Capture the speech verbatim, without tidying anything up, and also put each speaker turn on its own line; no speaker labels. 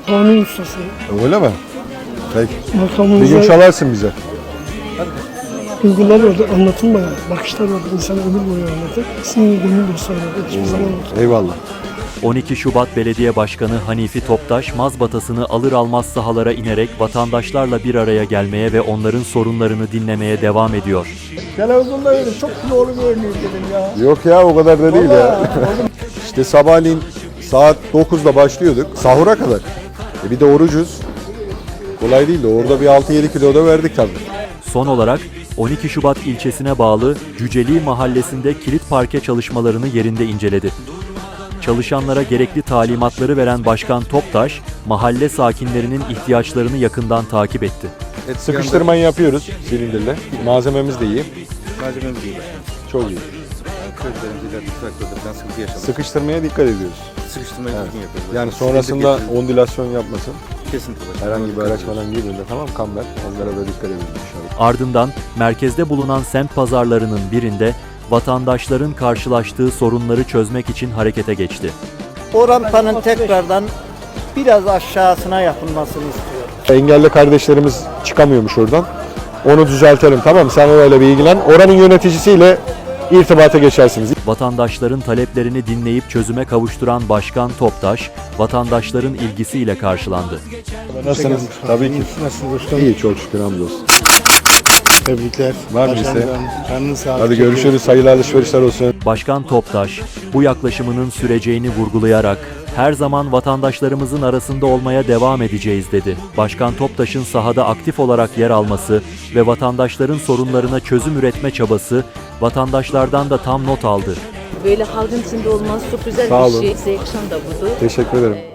kanun ustası.
Öyle mi? Peki. Bir gün
Makamımıza
çalarsın bize.
duygular orada anlatılmayan, bakışlar orada insana ömür boyu anlatır. Sinir gönül dostları orada hiçbir zaman unutulmaz.
Eyvallah.
on iki Şubat Belediye Başkanı Hanifi Toptaş, mazbatasını alır almaz sahalara inerek vatandaşlarla bir araya gelmeye ve onların sorunlarını dinlemeye devam ediyor.
Televizyonda öyle çok kilolu görünüyor dedim ya.
Yok ya, o kadar da değil ya. İşte sabahleyin saat dokuzda başlıyorduk. Sahura kadar. E bir de orucuz. Kolay değil de orada bir altı yedi kilo da verdik tabii.
Son olarak on iki Şubat ilçesine bağlı Cüceli Mahallesi'nde kilit parke çalışmalarını yerinde inceledi. Çalışanlara gerekli talimatları veren Başkan Toptaş, mahalle sakinlerinin ihtiyaçlarını yakından takip etti.
Sıkıştırmayı yapıyoruz silindirle. Malzememiz de iyi.
Malzememiz iyi.
Çok iyi.
Yani közlerimizde de traktörde falan sıkıntı yaşamadık.
Sıkıştırmaya dikkat ediyoruz.
Sıkıştırmayı
Evet.
düzgün yapıyoruz.
Yani
Silindir
sonrasında
getirdik.
ondülasyon yapmasın.
Kesinlikle.
Herhangi bir araç falan girdiğinde tamam kamber. Onlara da dikkat edin inşallah.
Ardından merkezde bulunan semt pazarlarının birinde vatandaşların karşılaştığı sorunları çözmek için harekete geçti.
O rampanın tekrardan biraz aşağısına yapılmasını istiyorum.
Engelli kardeşlerimiz çıkamıyormuş oradan. Onu düzeltelim, tamam mı? Sen orayla bir ilgilen. Oranın yöneticisiyle irtibata geçersiniz.
Vatandaşların taleplerini dinleyip çözüme kavuşturan Başkan Toptaş, vatandaşların ilgisiyle karşılandı.
Nasılsınız? Tabii ki.
Nasılsınız dostum?
İyi, çok şükür hamdolsun.
Tebrikler.
Var mı
Başarılar.
isteğin?
Karnın sağlık.
Hadi görüşürüz. Hayırlı alışverişler olsun.
Başkan Toptaş, bu yaklaşımının süreceğini vurgulayarak, her zaman vatandaşlarımızın arasında olmaya devam edeceğiz dedi. Başkan Toptaş'ın sahada aktif olarak yer alması ve vatandaşların sorunlarına çözüm üretme çabası, vatandaşlardan da tam not aldı.
Böyle halkın içinde olması çok güzel
Sağ
bir
olun.
şey. Size yakışan da budur.
Teşekkür ederim.